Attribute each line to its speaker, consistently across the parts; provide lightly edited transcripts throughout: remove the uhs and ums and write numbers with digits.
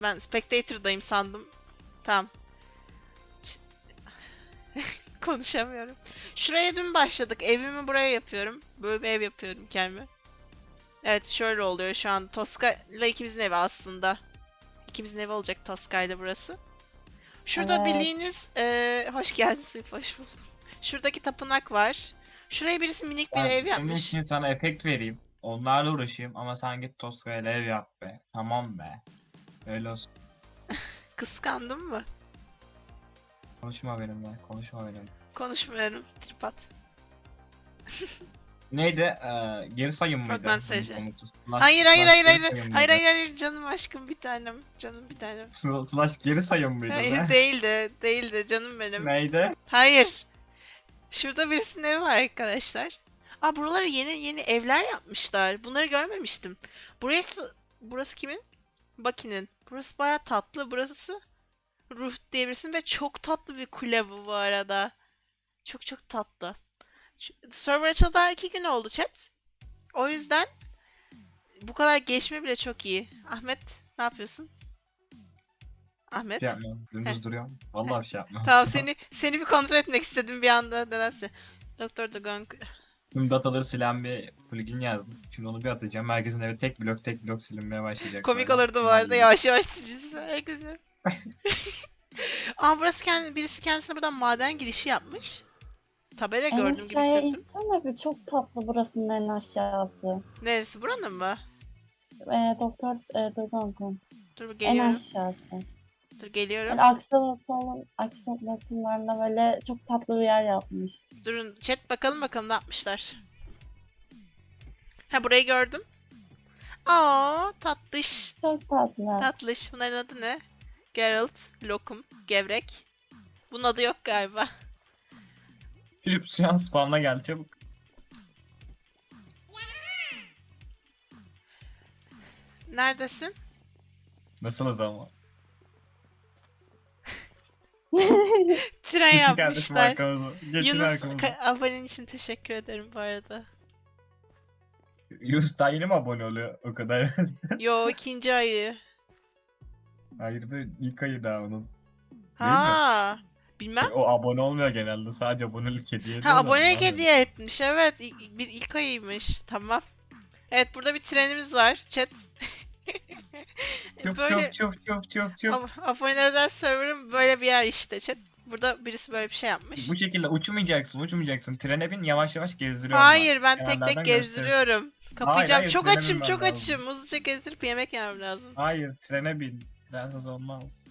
Speaker 1: Ben Spectator'dayım sandım. Tamam. Konuşamıyorum. Şuraya dün başladık. Evimi buraya yapıyorum. Böyle bir ev yapıyorum kendime. Evet, şöyle oluyor şu an. Tosca ile ikimizin evi aslında. İkimizin evi olacak Tosca ile burası. Şurada
Speaker 2: Evet.
Speaker 1: bildiğiniz... hoş geldin Suyuf, hoş buldum. Şuradaki tapınak var. Şuraya birisi minik bir
Speaker 3: Ben
Speaker 1: ev
Speaker 3: senin
Speaker 1: yapmış.
Speaker 3: için sana efekt vereyim. Onlarla uğraşayım ama sen git Tosca ile ev yap be. Tamam be. Öyle olsun.
Speaker 1: Kıskandın mı?
Speaker 3: Konuşma benimle. Konuşma benimle.
Speaker 1: Konuşmuyorum. Trip at.
Speaker 3: Neydi? Geri sayım
Speaker 1: Frogman
Speaker 3: mıydı? Bunun
Speaker 1: SC.
Speaker 3: komutu.
Speaker 1: Hayır hayır
Speaker 3: Slash
Speaker 1: hayır
Speaker 3: geri
Speaker 1: hayır.
Speaker 3: sayım
Speaker 1: Hayır
Speaker 3: mıydı?
Speaker 1: hayır hayır canım aşkım bir tanem. Canım bir tanem.
Speaker 3: Slash geri sayım mıydı
Speaker 1: Hayır
Speaker 3: be?
Speaker 1: değildi. Değildi canım benim.
Speaker 3: Neydi?
Speaker 1: Hayır. Şurada birisinin evi var arkadaşlar. Aa, buralara yeni yeni evler yapmışlar. Bunları görmemiştim. Burası kimin? Bucky'nin. Burası baya tatlı. Burası Ruh diye birisinin ve çok tatlı bir kule bu arada. Çok çok tatlı. Server açıldı daha 2 gün oldu chat. O yüzden bu kadar geçme bile çok iyi. Ahmet ne yapıyorsun?
Speaker 3: Bir
Speaker 1: Ahmet.
Speaker 3: şey yapmıyorum.
Speaker 1: Heh,
Speaker 3: Dümdüz duruyorum.
Speaker 1: heh.
Speaker 3: Vallahi bir şey yapmıyorum.
Speaker 1: Tamam, seni bir kontrol etmek istedim bir anda nedense. Doktor Dogong.
Speaker 3: Tüm dataları silen bir plugin yazdım. Şimdi onu bir atacağım. Herkesin evi tek blok silinmeye başlayacak
Speaker 1: Komik
Speaker 3: böyle.
Speaker 1: olurdu bu arada,
Speaker 3: Halledeceğim.
Speaker 1: yavaş yavaş sileceğiz herkesi. Aa, birisi kendisine buradan maden girişi yapmış. Tabela
Speaker 2: En
Speaker 1: gördüğüm gibi
Speaker 2: aşağıya
Speaker 1: hissettim.
Speaker 2: insene bir, çok tatlı burasının en aşağısı.
Speaker 1: Neresi, buranın mı?
Speaker 2: Doktor Dodongun.
Speaker 1: Dur
Speaker 2: En
Speaker 1: geliyorum.
Speaker 2: aşağısı.
Speaker 1: Dur geliyorum.
Speaker 2: Böyle aksolotlarla böyle çok tatlı bir yer yapmış.
Speaker 1: Durun chat, bakalım ne yapmışlar. Ha, burayı gördüm. Aa, tatlış.
Speaker 2: Çok tatlı.
Speaker 1: Tatlış. Bunların adı ne? Geralt, Lokum, Gevrek. Bunun adı yok galiba.
Speaker 3: Philip şu an spawn'a gel çabuk.
Speaker 1: Neredesin?
Speaker 3: Nasılız ama?
Speaker 1: Tren
Speaker 3: Geçin kardeşim
Speaker 1: yapmışlar.
Speaker 3: arkamıza. Geçin
Speaker 1: Yunus,
Speaker 3: arkamıza.
Speaker 1: abonen için teşekkür ederim bu arada.
Speaker 3: Yunus daha yeni mi abone oluyor o kadar?
Speaker 1: Yo, ikinci ayı.
Speaker 3: Hayır be, ilk ayı daha onun. Değil mi?
Speaker 1: Ha, bilmem.
Speaker 3: O abone olmuyor genelde. Sadece abonelik hediye
Speaker 1: Ha,
Speaker 3: ediyor da
Speaker 1: abonelik
Speaker 3: ondan dedim.
Speaker 1: hediye etmiş. Evet, bir ilk ayıymış. Tamam. Evet, burada bir trenimiz var. Chat.
Speaker 3: Çuf
Speaker 1: Böyle
Speaker 3: çuf çuf çuf çuf çuf.
Speaker 1: abonelerden server'ım böyle bir yer işte chat. Burada birisi böyle bir şey yapmış.
Speaker 3: Bu şekilde uçmayacaksın. Trene bin yavaş yavaş gezdiriyorum
Speaker 1: Hayır,
Speaker 3: bak.
Speaker 1: ben tek tek
Speaker 3: Kenarlardan gösterirsin.
Speaker 1: gezdiriyorum.
Speaker 3: Hayır
Speaker 1: Kapayacağım.
Speaker 3: hayır
Speaker 1: Çok
Speaker 3: trene
Speaker 1: açım,
Speaker 3: binmen
Speaker 1: çok
Speaker 3: lazım.
Speaker 1: açım. Hızlıca gezdirip yemek yemem lazım.
Speaker 3: Hayır trene bin. Trensiz olmaz.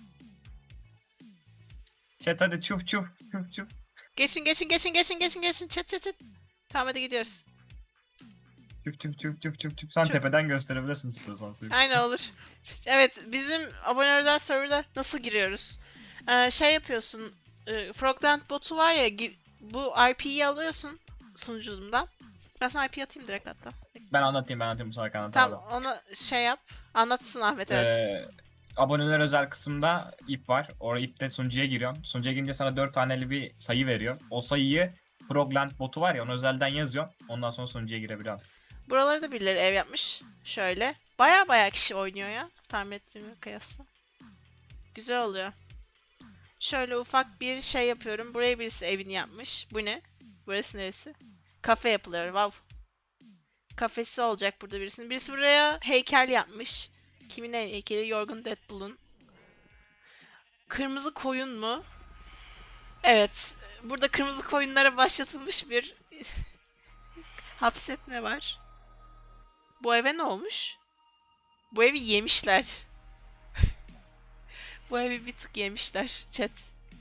Speaker 3: Chat hadi çuf çuf çuf çuf.
Speaker 1: Geçin. Chat. Tamam, hadi gidiyoruz.
Speaker 3: Çuf çuf çuf çuf çuf çuf. Sen
Speaker 1: Çuf.
Speaker 3: tepeden gösterebilirsin istiyorsan.
Speaker 1: Aynen, olur. Evet, bizim abonelerden serverda nasıl giriyoruz? Şey yapıyorsun. Frogland botu var ya, bu IP'yi alıyorsun sunucumdan. Ben sana IP atayım direkt hatta.
Speaker 3: Ben anlatayım bu sefer anlat abi.
Speaker 1: Tamam, onu şey yap. Anlatsın Ahmet, evet.
Speaker 3: Aboneler özel kısımda ip var. Oraya ipte sunucuya giriyorsun. Sunucuya girince sana 4 taneli bir sayı veriyor. O sayıyı Frogland botu var ya onu özelden yazıyorsun. Ondan sonra sunucuya girebiliyorsun.
Speaker 1: Buraları da birileri ev yapmış. Şöyle. Baya kişi oynuyor ya. Tahmin ettiğime kıyasla. Güzel oluyor. Şöyle ufak bir şey yapıyorum. Buraya birisi evini yapmış. Bu ne? Burası neresi? Kafe yapılıyor. Wow. Kafesi olacak burada birisinin. Birisi buraya heykel yapmış. Kimin heykeli? Yorgun Deadpool'un. Kırmızı koyun mu? Evet. Burada kırmızı koyunlara başlatılmış bir hapsetme var. Bu eve ne olmuş? Bu evi yemişler. Bu evi bir tık yemişler. Chat.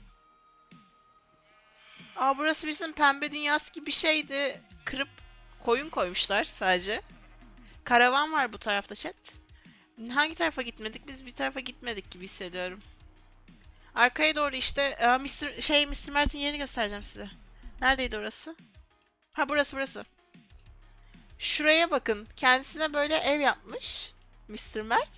Speaker 1: Aa, burası birisinin pembe dünyası gibi bir şeydi. Kırıp koyun koymuşlar sadece. Karavan var bu tarafta chat. Hangi tarafa gitmedik? Biz bir tarafa gitmedik gibi hissediyorum. Arkaya doğru işte Mr. Mert'in yerini göstereceğim size. Neredeydi orası? Ha, burası. Şuraya bakın. Kendisine böyle ev yapmış Mr. Mert.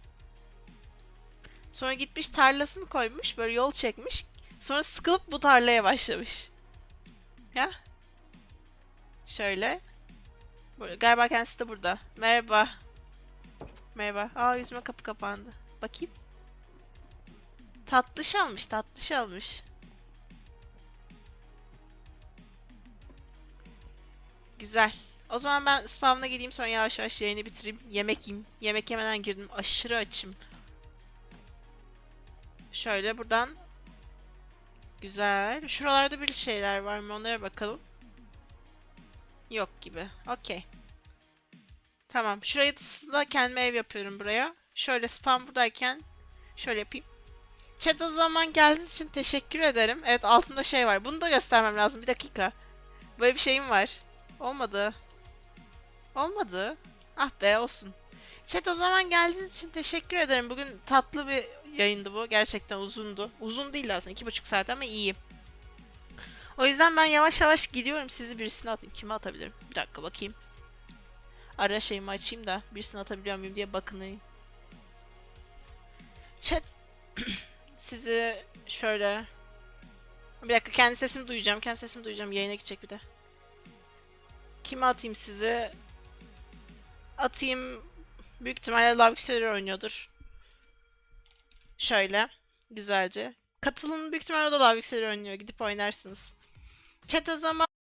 Speaker 1: Sonra gitmiş tarlasını koymuş. Böyle yol çekmiş. Sonra sıkılıp bu tarlaya başlamış. Ya. Şöyle. Galiba kendisi de burada. Merhaba. Aa, yüzüme kapı kapandı. Bakayım. Tatlış almış, tatlış almış. Güzel. O zaman ben spamına gideyim, sonra yavaş yavaş yayını bitireyim. Yemek yiyeyim. Yemek yemeden girdim. Aşırı açım. Şöyle buradan. Güzel. Şuralarda bir şeyler var mı? Onlara bakalım. Yok gibi. Okey. Tamam. Şurayı da kendime ev yapıyorum buraya. Şöyle spam buradayken şöyle yapayım. Chat, o zaman geldiğiniz için teşekkür ederim. Evet, altında şey var. Bunu da göstermem lazım. Bir dakika. Böyle bir şeyim var. Olmadı. Olmadı. Ah be, olsun. Chat, o zaman geldiğiniz için teşekkür ederim. Bugün tatlı bir yayındı bu. Gerçekten uzundu. Uzun değil aslında. 2,5 saat ama iyi. O yüzden ben yavaş yavaş gidiyorum. Sizi birisine atayım. Kime atabilirim? Bir dakika bakayım. Ara şeyimi açayım da birisine atabiliyor muyum diye bakınayım. Chat, sizi şöyle... Bir dakika, kendi sesimi duyacağım. Kendi sesimi duyacağım. Yayına gidecek bir de. Kime atayım sizi? Atayım. Büyük ihtimalle Love oynuyordur. Şöyle. Güzelce. Katılın, büyük ihtimalle o da Love oynuyor. Gidip oynarsınız. Chat, o zaman